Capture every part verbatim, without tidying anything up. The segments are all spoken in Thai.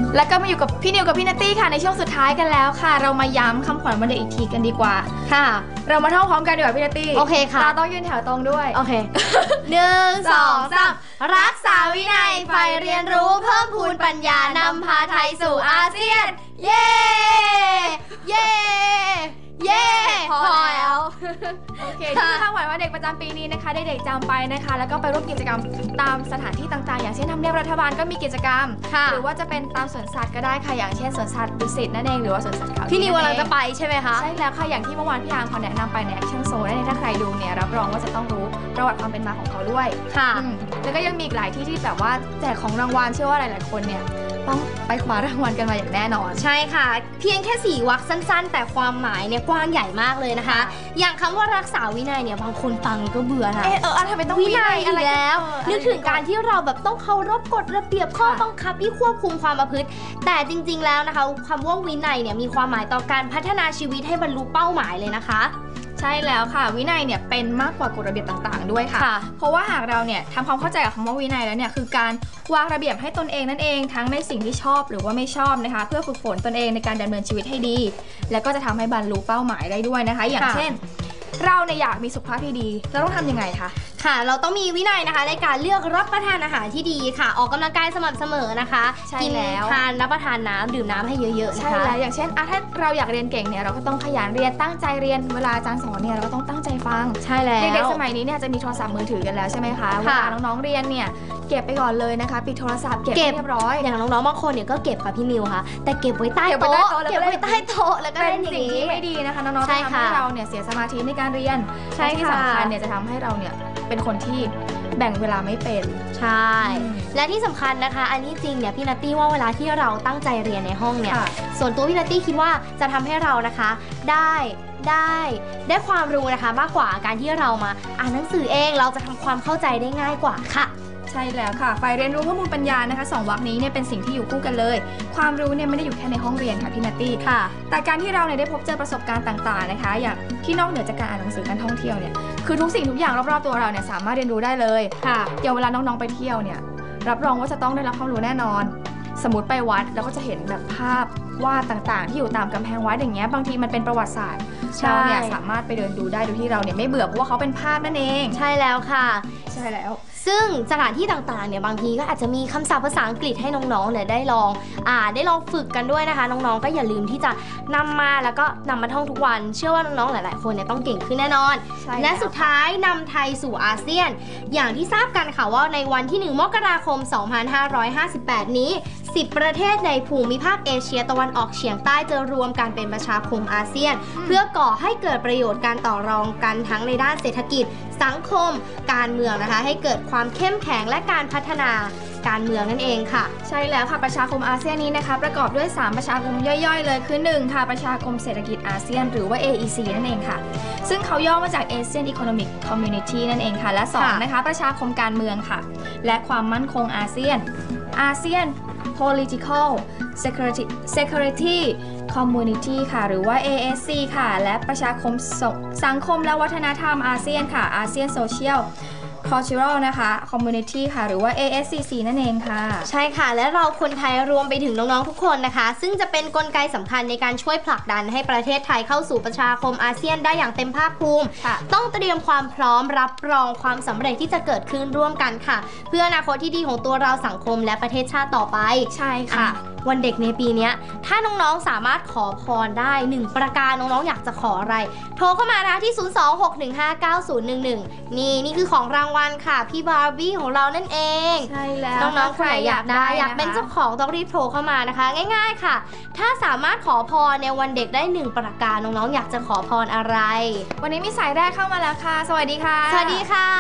แล้วก็มาอยู่กับพี่นิวกับพี่นัตตี้ค่ะในช่วงสุดท้ายกันแล้วค่ะเรามาย้ำคำขวัญวันเด็กอีกทีกันดีกว่าค่ะเรามาท่องพร้อมกันดีกว่าพี่นัตตี้โอเคค่ะเราต้องยืนแถวตรงด้วยโอเคหนึ่งสองสามรักษาวินัยใฝ่เรียนรู้เพิ่มพูนปัญญานำพาไทยสู่อาเซียนเย้เย้เย้พอแล้วโอเคที่คำขวัญวันเด็กประจำปีนี้นะคะเด็กๆจำไปนะคะแล้วก็ไปร่วมกิจกรรมตามสถานที่ต่างๆอย่างเช่นทำเนียบรัฐบาลก็มีกิจกรรมหรือว่าจะเป็นตามสวนสัตว์ก็ได้ค่ะอย่างเช่นสวนสัตว์ดุสิตนั่นเองหรือว่าสวนสัตว์เขาพี่นิวกำลังจะไปใช่ไหมคะใช่แล้วค่ะอย่างที่เมื่อวานพี่อาร์มเขาแนะนำไปในแอคชั่นโซนนั่นเองถ้าใครดูเนี่ยรับรองว่าจะต้องรู้ประวัติความเป็นมาของเขาด้วยค่ะแล้วก็ยังมีอีกหลายที่ที่แบบว่าแจกของรางวัลเชื่อว่าหลายๆคนเนี่ยต้องไปคว้ารางวัลกันมาอย่างแน่นอนใช่ค่ะเพียงแค่สี่วรรคสั้นๆแต่ความหมายเนี่ยกว้างใหญ่มากเลยนะคะอย่างคำว่ารักษาวินัยเนี่ยบางคนฟังก็เบื่อนะเออเออทำไมต้องวินัยอะไรแล้วนึกถึงการที่เราแบบต้องเคารพกฎระเบียบข้อบังคับที่ควบคุมความประพฤติแต่จริงๆแล้วนะคะคำว่าวินัยเนี่ยมีความหมายต่อการพัฒนาชีวิตให้บรรลุเป้าหมายเลยนะคะใช่แล้วค่ะวินัยเนี่ยเป็นมากกว่ากฎระเบียบต่างๆด้วยค่ะเพราะว่าหากเราเนี่ยทำความเข้าใจกับคำว่าวินัยแล้วเนี่ยคือการวางระเบียบให้ตนเองนั่นเองทั้งในสิ่งที่ชอบหรือว่าไม่ชอบนะคะเพื่อฝึกฝนตนเองในการดำเนินชีวิตให้ดีแล้วก็จะทำให้บรรลุเป้าหมายได้ด้วยนะคะอย่างเช่นเราเนี่ยอยากมีสุขภาพที่ดีเราต้องทำยังไงคะค่ะเราต้องมีวินัยนะคะในการเลือกรับประทานอาหารที่ดีค่ะออกกำลังกายสม่ำเสมอนะคะกินแล้วทานรับประทานน้ำดื่มน้ำให้เยอะๆนะคะใช่แล้วอย่างเช่นอ่ะถ้าเราอยากเรียนเก่งเนี่ยเราก็ต้องขยันเรียนตั้งใจเรียนเวลาอาจารย์สอนเนี่ยเราก็ต้องตั้งใจฟังใช่แล้วเด็กๆสมัยนี้เนี่ยจะมีโทรศัพท์มือถือกันแล้วใช่ไหมคะเวลาน้องๆเรียนเนี่ยเก็บไปก่อนเลยนะคะปิดโทรศัพท์เก็บเรียบร้อยอย่างน้องๆบางคนเนี่ยก็เก็บค่ะพี่นิวค่ะแต่เก็บไว้ใต้โต๊ะเก็บไว้ใต้โต๊ะแล้วก็เป็นสิ่งที่ไม่ดีนะคะน้องๆจะทำให้เราเนี่ยเสียสมาธิในการเรียนใช่ที่สำคัญเนี่ยจะทำให้เราเนี่ยเป็นคนที่แบ่งเวลาไม่เป็นใช่และที่สำคัญนะคะอันนี้จริงเนี่ยพี่นัตตี้ว่าเวลาที่เราตั้งใจเรียนในห้องเนี่ยส่วนตัวพี่นัตตี้คิดว่าจะทำให้เรานะคะได้ได้ได้ความรู้นะคะมากกว่าการที่เรามาอ่านหนังสือเองเราจะทำความเข้าใจได้ง่ายกว่าค่ะใช่แล้วค่ะฝ่ายเรียนรู้ข้อมูลปัญญานะคะสองวรรคนี้เนี่ยเป็นสิ่งที่อยู่คู่กันเลยความรู้เนี่ยไม่ได้อยู่แค่ในห้องเรียนค่ะพี่นัตตี้ค่ะแต่การที่เราเนี่ยได้พบเจอประสบการณ์ต่างๆนะคะอย่างที่นอกเหนือจากการอ่านหนังสือการท่องเที่ยวเนี่ยคือทุกสิ่งทุกอย่างรอบๆตัวเราเนี่ยสามารถเรียนรู้ได้เลยค่ะอย่างเวลาน้องๆไปเที่ยวเนี่ยรับรองว่าจะต้องได้รับความรู้แน่นอนสมมติไปวัดแล้วก็จะเห็นแบบภาพวาดต่างๆที่อยู่ตามกำแพงวัดอย่างเงี้ยบางทีมันเป็นประวัติศาสตร์เราเนี่ยสามารถไปเดินดูได้โดยที่เราเนี่ยไม่เบื่อเพราะว่าเขาเป็นภาพนั่นเองใช่แล้วค่ะใช่แล้วซึ่งสถานที่ต่างๆเนี่ยบางทีก็อาจจะมีคำศัพท์ภาษาอังกฤษให้น้องๆเนี่ยได้ลองอ่านได้ลองฝึกกันด้วยนะคะน้องๆก็อย่าลืมที่จะนำมาแล้วก็นำมาท่องทุกวันเชื่อว่าน้องๆหลายๆคนเนี่ยต้องเก่งขึ้นแน่นอนและสุดท้ายนำไทยสู่อาเซียนอย่างที่ทราบกันค่ะว่าในวันที่หนึ่งมกราคมสองพันห้าร้อยห้าสิบแปดนี้สิบประเทศในภูมิภาคเอเชียตะวันออกเฉียงใต้จะรวมกันเป็นประชาคมอาเซียนเพื่อก่อให้เกิดประโยชน์การต่อรองกันทั้งในด้านเศรษฐกิจสังคมการเมืองนะคะให้เกิดความเข้มแข็งและการพัฒนาการเมืองนั่นเองค่ะใช่แล้วค่ะประชาคมอาเซียนนี้นะคะประกอบด้วยสามประชาคมย่อยๆเลยคือหนึ่งค่ะประชาคมเศรษฐกิจอาเซียนหรือว่า เอ อี ซี นั่นเองค่ะซึ่งเขาย่อมาจาก Asian Economic Community นั่นเองค่ะและสองนะคะประชาคมการเมืองค่ะและความมั่นคงอาเซียนอาเซียน Political Security Security Community ค่ะหรือว่า เอ เอส ซี ค่ะและประชาคมสังคมและวัฒนธรรมอาเซียนค่ะ ASEAN Social Cultural นะคะ Community ค่ะหรือว่า เอ เอส ซี ซี นั่นเองค่ะใช่ค่ะและเราคนไทยรวมไปถึงน้องๆทุกคนนะคะซึ่งจะเป็นกลไกสำคัญในการช่วยผลักดันให้ประเทศไทยเข้าสู่ประชาคมอาเซียนได้อย่างเต็มภาคภูมิต้องเตรียมความพร้อมรับรองความสำเร็จที่จะเกิดขึ้นร่วมกันค่ะเพื่ออนาคตที่ดีของตัวเราสังคมและประเทศชาติต่อไปใช่ค่ะวันเด็กในปีนี้ถ้าน้องๆสามารถขอพรได้หนึ่งประการน้องๆอยากจะขออะไรโทรเข้ามานะที่ศูนย์ สอง หก หนึ่ง ห้า เก้า ศูนย์ หนึ่ง หนึ่งนี่นี่คือของรางวัลค่ะพี่บาร์บี้ของเรานั่นเองใช่แล้วน้องๆคนไหนอยากได้อยากเป็นเจ้าของต้องรีบโทรเข้ามานะคะง่ายๆค่ะถ้าสามารถขอพรในวันเด็กได้หนึ่งประการน้องๆอยากจะขอพรอะไรวันนี้มีสายแรกเข้ามาแล้วค่ะสวัสดีค่ะสวัสดีค่ะ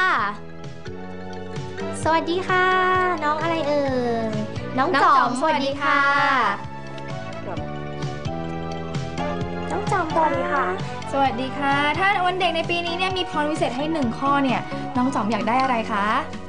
สวัสดีค่ะน้องอะไรเอ่ยน้องจอมสวัสดีค่ะน้องจอมสวัสดีค่ะสวัสดีค่ะถ้าวันเด็กในปีนี้เนี่ยมีพรวิเศษให้หนึ่งข้อเนี่ยน้องจอมอยากได้อะไรคะ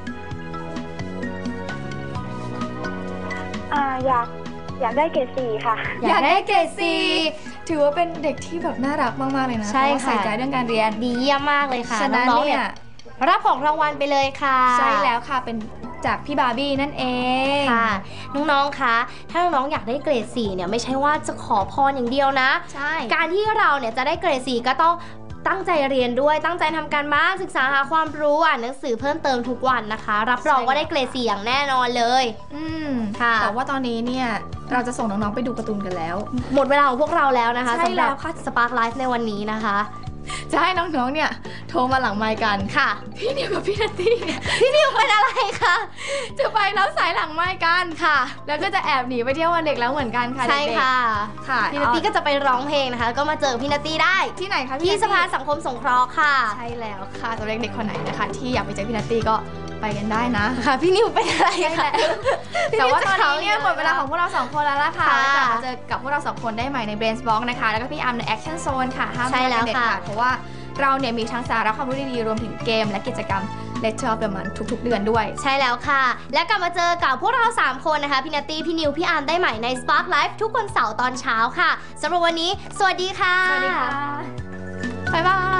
อ่าอยากอยากได้เกรดสี่ค่ะอยากได้เกรดสี่ถือว่าเป็นเด็กที่แบบน่ารักมากๆเลยนะใช่ค่ะใส่ใจเรื่องการเรียนดีเยี่ยมมากเลยค่ะน้องๆเนี่ยรับของรางวัลไปเลยค่ะใช่แล้วค่ะเป็นจากพี่บาร์บี้นั่นเองค่ะน้องๆคะถ้าน้องๆอยากได้เกรดสี่เนี่ยไม่ใช่ว่าจะขอพรอย่างเดียวนะใช่การที่เราเนี่ยจะได้เกรดสี่ก็ต้องตั้งใจเรียนด้วยตั้งใจทำการบ้านศึกษาหาความรู้อ่านหนังสือเพิ่มเติมทุกวันนะคะ รับรองว่าได้เกรดสี่อย่างแน่นอนเลยอืมค่ะแต่ว่าตอนนี้เนี่ยเราจะส่งน้องๆไปดูการ์ตูนกันแล้วหมดเวลาของพวกเราแล้วนะคะใช่สำหแล้รับวค่ะ Spark Life ในวันนี้นะคะจะให้น้องๆเนี่ยโทรมาหลังไมค์กันค่ะพี่นิวกับพี่นัตตี้เนี่ยพี่นิวเป็นอะไรคะจะไปรับสายหลังไมค์กันค่ะแล้วก็จะแอบหนีไปเที่ยววันเด็กแล้วเหมือนกันค่ะใช่เด็กๆค่ะค่ะพี่นัตตี้ก็จะไปร้องเพลงนะคะ ก็มาเจอพี่นัตตี้ได้ที่ไหนคะที่พี่สภาสังคมสงเคราะห์ค่ะใช่แล้วค่ะสำหรับเด็กๆคนไหนนะคะ ที่อยากไปเจอพี่นัตตี้ก็ไปกันได้นะค่ะ พี่นิวเป็นอะไรใช่คะแล้วแต่ว่าตอนนี้เนี่ยหมดเวลาของพวกเราสองคนแล้วล่ะค่ะค่ะแล้วกลับมาเจอกับพวกเราสองคนได้ใหม่ใน Brains Box นะคะ แล้วก็พี่อาร์มใน Action Zone ค่ะห้ามพใช่ลาดแล้วเด็ดค่ะขาดเพราะว่าเราเนี่ยมีทั้งสาระความรู้ดีๆรวมถึงเกมและกิจกรรม Lecture of the Month ทุกๆ เดือนด้วยใช่แล้วค่ะ และกลับมาเจอกับพวกเราสามคนนะคะ พี่นัตตี้ พี่นิว พี่อาร์มได้ใหม่ใน Spark Life ทุกวันเสาร์ตอนเช้าค่ะสำหรับวันนี้ สวัสดีค่ะสวัสดีค่ะ บ๊ายบาย